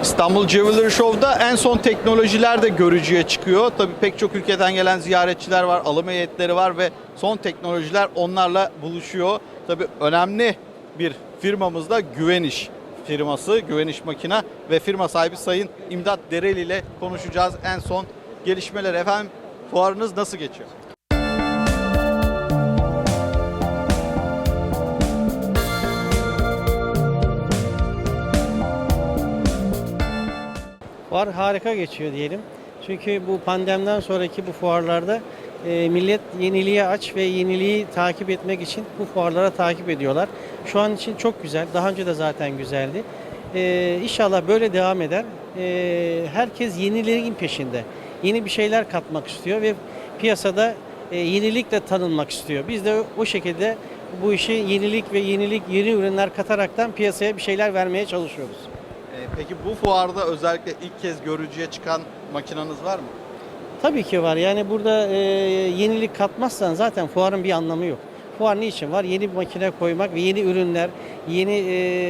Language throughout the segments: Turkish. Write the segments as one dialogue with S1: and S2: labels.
S1: İstanbul Jewelry Show'da en son teknolojiler de görücüye çıkıyor. Tabii pek çok ülkeden gelen ziyaretçiler var, alım heyetleri var ve son teknolojiler onlarla buluşuyor. Tabii önemli bir firmamız da Güveniş firması, Güveniş Makina ve firma sahibi Sayın İmdat Dereli ile konuşacağız en son gelişmeler. Efendim, fuarınız nasıl geçiyor?
S2: Fuar harika geçiyor diyelim. Çünkü bu pandemiden sonraki bu fuarlarda millet yeniliğe aç ve yeniliği takip etmek için bu fuarlara takip ediyorlar. Şu an için çok güzel. Daha önce de zaten güzeldi. İnşallah böyle devam eder. Herkes yenilerin peşinde. Yeni bir şeyler katmak istiyor ve piyasada yenilikle tanınmak istiyor. Biz de o şekilde bu işi yenilik ve yeni ürünler kataraktan piyasaya bir şeyler vermeye çalışıyoruz.
S1: Peki bu fuarda özellikle ilk kez görücüye çıkan makinanız var mı?
S2: Tabii ki var. Yani burada yenilik katmazsan zaten fuarın bir anlamı yok. Fuar niçin var? Yeni bir makine koymak ve yeni ürünler, yeni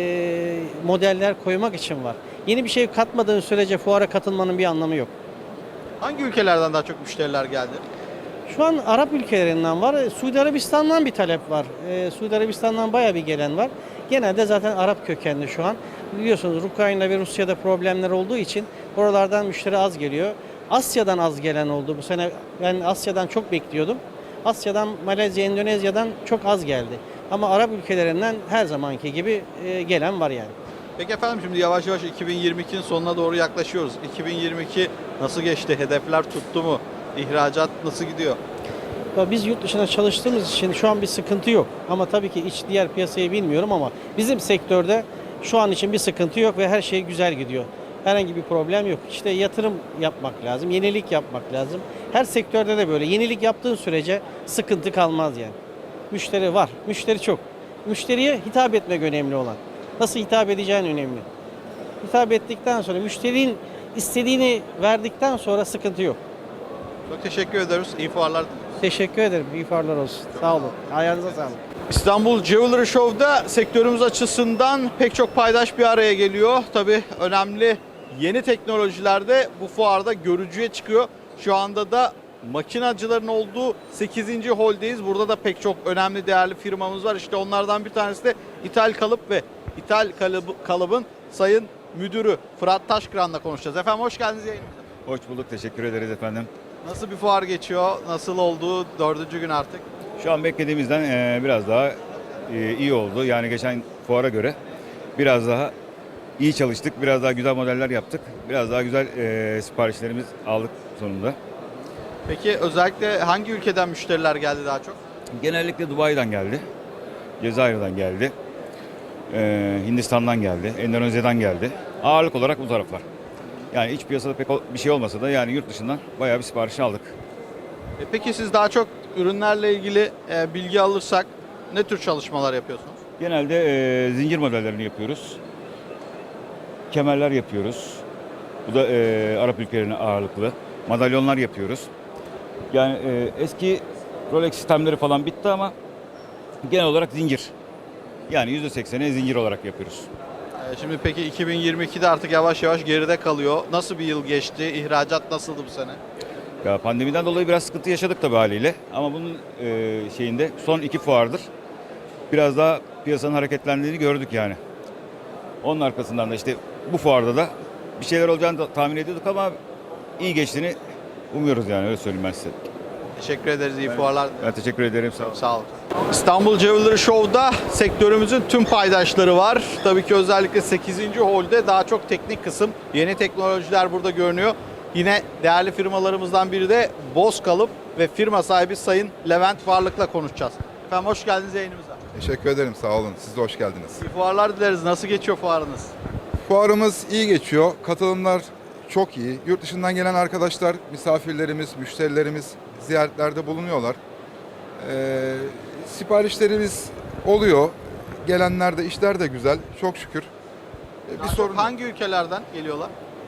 S2: modeller koymak için var. Yeni bir şey katmadığın sürece fuara katılmanın bir anlamı yok.
S1: Hangi ülkelerden daha çok müşteriler geldi?
S2: Şu an Arap ülkelerinden var. Suudi Arabistan'dan bir talep var. Suudi Arabistan'dan bayağı bir gelen var. Genelde zaten Arap kökenli şu an. Biliyorsunuz Ukrayna ve Rusya'da problemler olduğu için oralardan müşteri az geliyor. Asya'dan az gelen oldu. Bu sene ben Asya'dan çok bekliyordum. Asya'dan, Malezya, Endonezya'dan çok az geldi. Ama Arap ülkelerinden her zamanki gibi gelen var yani.
S1: Peki efendim, şimdi yavaş yavaş 2022'nin sonuna doğru yaklaşıyoruz. 2022 nasıl geçti? Hedefler tuttu mu? İhracat nasıl gidiyor?
S2: Biz yurt dışına çalıştığımız için şu an bir sıkıntı yok. Ama tabii ki diğer piyasayı bilmiyorum ama bizim sektörde şu an için bir sıkıntı yok ve her şey güzel gidiyor. Herhangi bir problem yok. İşte yatırım yapmak lazım, yenilik yapmak lazım. Her sektörde de böyle. Yenilik yaptığın sürece sıkıntı kalmaz yani. Müşteri var, müşteri çok. Müşteriye hitap etmek önemli olan. Nasıl hitap edeceğin önemli. Hitap ettikten sonra, müşterinin istediğini verdikten sonra sıkıntı yok.
S1: Çok teşekkür ederiz. İyi fuarlar diliyoruz.
S2: Teşekkür ederim. İyi fuarlar olsun. Sağ olun. Ayağınıza sağlık.
S1: İstanbul Jewelry Show'da sektörümüz açısından pek çok paydaş bir araya geliyor. Tabii önemli yeni teknolojiler de bu fuarda görücüye çıkıyor. Şu anda da makinacıların olduğu 8. holdeyiz. Burada da pek çok önemli değerli firmamız var. İşte onlardan bir tanesi de İthal Kalıp ve İthal Kalıb'ın Sayın Müdürü Fırat Taşkıran'la konuşacağız. Efendim, hoş geldiniz yayınımıza.
S3: Hoş bulduk, teşekkür ederiz efendim.
S1: Nasıl bir fuar geçiyor? Nasıl oldu? 4. gün artık.
S3: Şu an beklediğimizden biraz daha iyi oldu. Yani geçen fuara göre biraz daha iyi çalıştık, biraz daha güzel modeller yaptık. Biraz daha güzel siparişlerimiz aldık sonunda.
S1: Peki özellikle hangi ülkeden müşteriler geldi daha çok?
S3: Genellikle Dubai'den geldi, Cezayir'den geldi, Hindistan'dan geldi, Endonezya'dan geldi. Ağırlık olarak bu taraflar. Yani iç piyasada pek bir şey olmasa da yani yurt dışından bayağı bir sipariş aldık.
S1: Peki siz daha çok ürünlerle ilgili bilgi alırsak ne tür çalışmalar yapıyorsunuz?
S3: Genelde zincir modellerini yapıyoruz. Kemerler yapıyoruz. Bu da Arap ülkelerine ağırlıklı. Madalyonlar yapıyoruz. Yani eski Rolex sistemleri falan bitti ama genel olarak zincir. Yani %80'i zincir olarak yapıyoruz.
S1: Şimdi peki 2022'de artık yavaş yavaş geride kalıyor. Nasıl bir yıl geçti? İhracat nasıldı bu sene?
S3: Ya pandemiden dolayı biraz sıkıntı yaşadık tabii haliyle. Ama bunun şeyinde son 2 fuardır biraz daha piyasanın hareketlendiğini gördük yani. Onun arkasından da işte bu fuarda da bir şeyler olacağını da tahmin ediyorduk ama iyi geçtiğini umuyoruz yani, öyle söyleyeyim ben size.
S1: Teşekkür ederiz. İyi fuarlar.
S3: Ben teşekkür ederim. Sağ olun.
S1: Sağ olun. İstanbul Jewelry Show'da sektörümüzün tüm paydaşları var. Tabii ki özellikle 8. holde daha çok teknik kısım, yeni teknolojiler burada görünüyor. Yine değerli firmalarımızdan biri de Boz Kalıp ve firma sahibi Sayın Levent Varlık'la konuşacağız. Efendim, hoş geldiniz yayınımıza.
S4: Teşekkür ederim, sağ olun. Siz de hoş geldiniz.
S1: İyi fuarlar dileriz. Nasıl geçiyor fuarınız?
S4: Fuarımız iyi geçiyor. Katılımlar çok iyi. Yurt dışından gelen arkadaşlar, misafirlerimiz, müşterilerimiz ziyaretlerde bulunuyorlar. Siparişlerimiz oluyor. Gelenler de, işler de güzel. Çok şükür.
S1: Daha
S4: Bir
S1: çok
S4: sorun.
S1: hangi ülkelerden geliyorlar?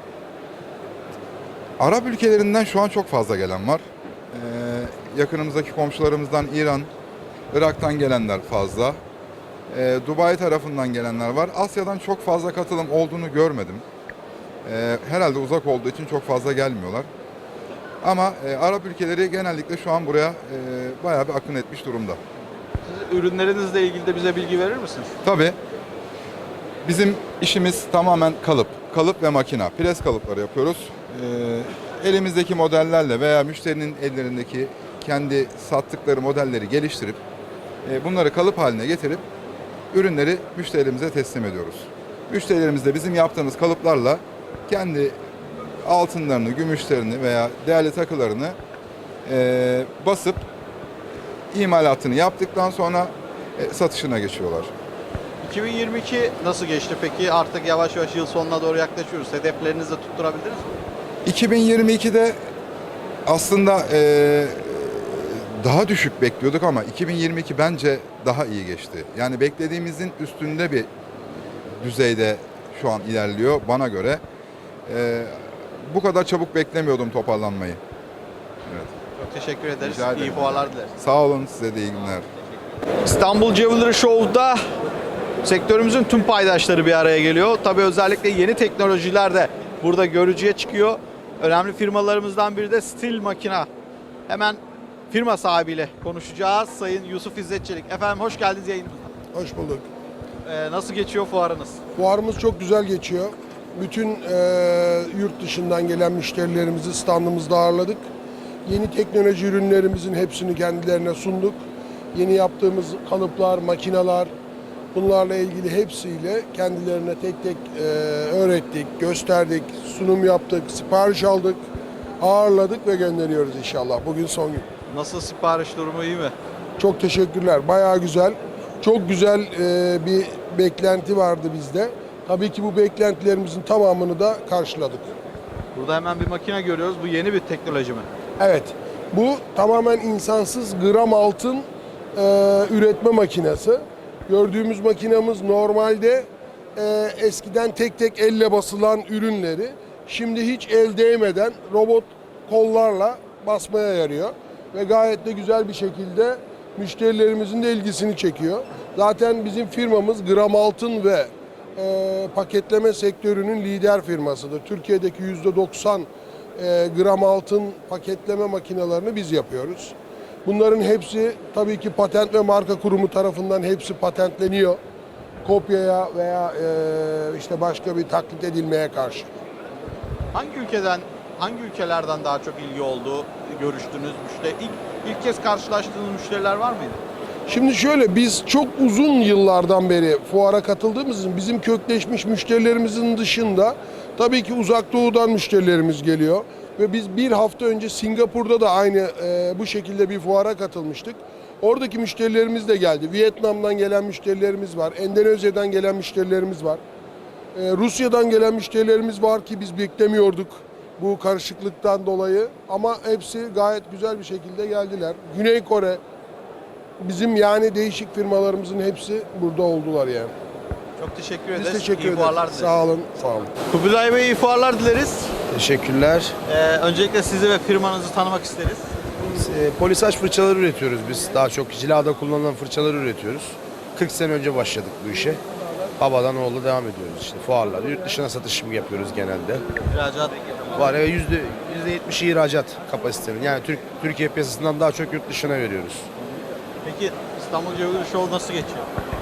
S4: Arap ülkelerinden şu an çok fazla gelen var. Yakınımızdaki komşularımızdan İran, Irak'tan gelenler fazla. Dubai tarafından gelenler var. Asya'dan çok fazla katılım olduğunu görmedim. Herhalde uzak olduğu için çok fazla gelmiyorlar. Ama Arap ülkeleri genellikle şu an buraya bayağı bir akın etmiş durumda.
S1: Siz ürünlerinizle ilgili de bize bilgi verir misiniz?
S4: Tabii bizim işimiz tamamen kalıp. Kalıp ve makina. Pres kalıpları yapıyoruz. Elimizdeki modellerle veya müşterinin ellerindeki kendi sattıkları modelleri geliştirip bunları kalıp haline getirip ürünleri müşterilerimize teslim ediyoruz. Müşterilerimiz de bizim yaptığımız kalıplarla kendi altınlarını, gümüşlerini veya değerli takılarını basıp imalatını yaptıktan sonra satışına geçiyorlar.
S1: 2022 nasıl geçti peki? Artık yavaş yavaş yıl sonuna doğru yaklaşıyoruz. Hedeflerinizi de tutturabildiniz mi?
S4: 2022'de aslında daha düşük bekliyorduk ama 2022 bence daha iyi geçti. Yani beklediğimizin üstünde bir düzeyde şu an ilerliyor bana göre. Bu kadar çabuk beklemiyordum toparlanmayı. Evet.
S1: Çok teşekkür ederiz.
S4: Rica ederim.
S1: İyi fuarlar dileriz.
S4: Sağ olun, size de iyi günler.
S1: İstanbul Jewelry Show'da sektörümüzün tüm paydaşları bir araya geliyor. Tabii özellikle yeni teknolojiler de burada görücüye çıkıyor. Önemli firmalarımızdan biri de Stil Makina. Hemen firma sahibiyle konuşacağız. Sayın Yusuf İzzet Çelik. Efendim hoş geldiniz yayınımıza.
S5: Hoş bulduk.
S1: Nasıl geçiyor fuarınız?
S5: Fuarımız çok güzel geçiyor. Bütün yurt dışından gelen müşterilerimizi standımızda ağırladık. Yeni teknoloji ürünlerimizin hepsini kendilerine sunduk. Yeni yaptığımız kalıplar, makineler, bunlarla ilgili hepsiyle kendilerine tek tek öğrettik, gösterdik, sunum yaptık, sipariş aldık, ağırladık ve gönderiyoruz inşallah. Bugün son gün.
S1: Nasıl, sipariş durumu iyi mi?
S5: Çok teşekkürler. Bayağı güzel. Çok güzel bir beklenti vardı bizde. Tabii ki bu beklentilerimizin tamamını da karşıladık.
S1: Burada hemen bir makine görüyoruz. Bu yeni bir teknoloji mi?
S5: Evet, bu tamamen insansız gram altın üretme makinesi. Gördüğümüz makinamız normalde eskiden tek tek elle basılan ürünleri şimdi hiç el değmeden robot kollarla basmaya yarıyor. Ve gayet de güzel bir şekilde müşterilerimizin de ilgisini çekiyor. Zaten bizim firmamız gram altın ve paketleme sektörünün lider firmasıdır. Türkiye'deki %90 gram altın paketleme makinelerini biz yapıyoruz. Bunların hepsi tabii ki Patent ve Marka Kurumu tarafından hepsi patentleniyor. Kopyaya veya işte başka bir taklit edilmeye karşı.
S1: Hangi ülkelerden daha çok ilgi oldu, görüştünüz müşteri? İlk kez karşılaştığınız müşteriler var mıydı?
S5: Şimdi şöyle, biz çok uzun yıllardan beri fuara katıldığımız için bizim kökleşmiş müşterilerimizin dışında tabii ki uzak doğudan müşterilerimiz geliyor. Ve biz bir hafta önce Singapur'da da aynı bu şekilde bir fuara katılmıştık. Oradaki müşterilerimiz de geldi. Vietnam'dan gelen müşterilerimiz var. Endonezya'dan gelen müşterilerimiz var. Rusya'dan gelen müşterilerimiz var ki biz beklemiyorduk bu karışıklıktan dolayı. Ama hepsi gayet güzel bir şekilde geldiler. Güney Kore, bizim yani değişik firmalarımızın hepsi burada oldular yani.
S1: Çok teşekkür ederiz.
S5: Biz teşekkür
S1: İyi
S5: ederiz.
S1: fuarlar dileriz.
S5: Sağ olun, sağ olun.
S1: Kubilay Bey, iyi fuarlar dileriz.
S6: Teşekkürler.
S1: Öncelikle sizi ve firmanızı tanımak isteriz.
S6: Polisaj fırçaları üretiyoruz biz. Daha çok cilada kullanılan fırçaları üretiyoruz. 40 sene önce başladık bu işe. Babadan oğula devam ediyoruz işte fuarlarda. Yurt dışına satış yapıyoruz genelde.
S1: İhracat.
S6: Var ve %70'i ihracat kapasitenin. Yani Türkiye piyasasından daha çok yurt dışına veriyoruz.
S1: Peki İstanbul Jewelry Show nasıl geçiyor?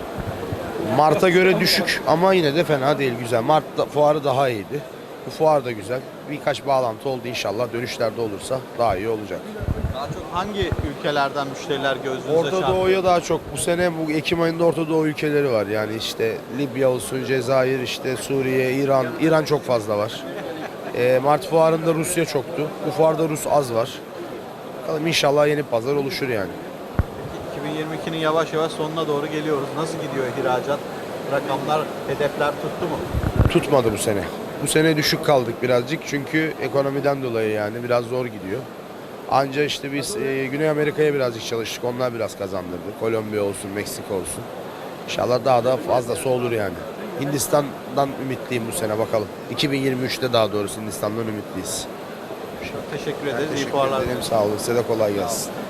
S6: Mart'a göre düşük ama yine de fena değil, güzel. Mart'ta fuarı daha iyiydi. Bu fuar da güzel. Birkaç bağlantı oldu inşallah. Dönüşlerde olursa daha iyi olacak.
S1: Daha çok hangi ülkelerden müşteriler gözünüze
S6: Orta
S1: çarpıyor?
S6: Doğu'ya daha çok. Bu sene bu Ekim ayında Orta Doğu ülkeleri var. Yani işte Libya olsun, Cezayir, işte Suriye, İran. İran çok fazla var. Mart fuarında Rusya çoktu. Bu fuarda Rus az var. Bakalım inşallah yeni pazar oluşur yani.
S1: 2022'nin yavaş yavaş sonuna doğru geliyoruz. Nasıl gidiyor ihracat? Rakamlar, hedefler tuttu mu?
S6: Tutmadı bu sene. Bu sene düşük kaldık birazcık çünkü ekonomiden dolayı yani biraz zor gidiyor. Anca işte biz Güney Amerika'ya birazcık çalıştık. Onlar biraz kazandırdı. Kolombiya olsun, Meksika olsun. İnşallah daha da fazlası olur yani. Hindistan'dan ümitliyim bu sene bakalım. 2023'te daha doğrusu Hindistan'dan ümitliyiz.
S1: Çok teşekkür ederiz. İyi
S6: Teşekkür
S1: fuarlar.
S6: ederim. Sağ olun. Size de kolay gelsin.